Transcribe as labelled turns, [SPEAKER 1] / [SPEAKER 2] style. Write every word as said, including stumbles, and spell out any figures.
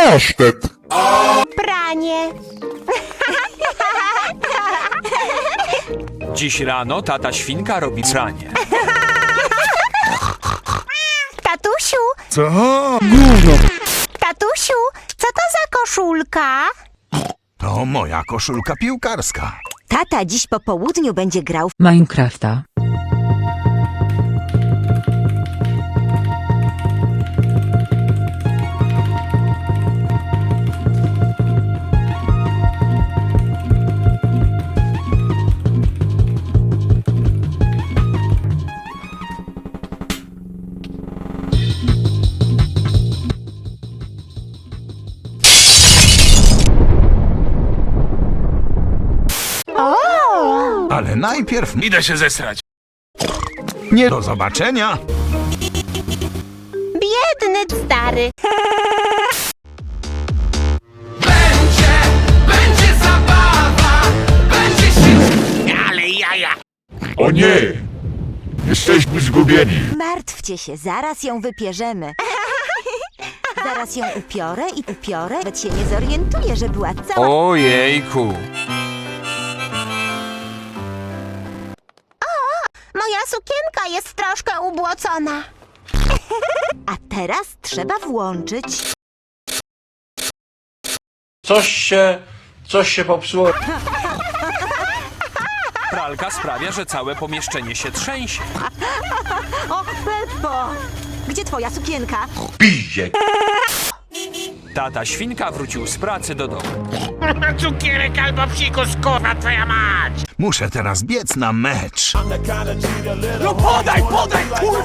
[SPEAKER 1] Pasztet.
[SPEAKER 2] Pranie.
[SPEAKER 3] Dziś rano tata świnka robi pranie.
[SPEAKER 2] Tatusiu,
[SPEAKER 1] Co? Gówno.
[SPEAKER 2] tatusiu, co to za koszulka?
[SPEAKER 4] To moja koszulka piłkarska.
[SPEAKER 2] Tata dziś po południu będzie grał w
[SPEAKER 5] Minecrafta.
[SPEAKER 4] Ale najpierw
[SPEAKER 3] Idę się zesrać.
[SPEAKER 4] nie do zobaczenia.
[SPEAKER 2] biedny stary.
[SPEAKER 1] O nie! Jesteśmy zgubieni.
[SPEAKER 2] Martwcie się, zaraz ją wypierzemy. Zaraz ją upiorę i upiorę, nawet się nie zorientuje, że była cała...
[SPEAKER 3] Ojejku.
[SPEAKER 2] Moja sukienka jest troszkę ubłocona. A teraz trzeba włączyć...
[SPEAKER 6] Coś się, coś się popsuło.
[SPEAKER 3] Pralka sprawia, że całe pomieszczenie się trzęsie.
[SPEAKER 2] O, Peppo! Gdzie twoja sukienka?
[SPEAKER 6] Piździe.
[SPEAKER 3] Tata świnka wrócił z pracy do domu.
[SPEAKER 7] Cukierek albo psikus, kurwa twoja mać!
[SPEAKER 4] Muszę teraz biec na mecz.
[SPEAKER 7] No podaj, podaj, kurwa!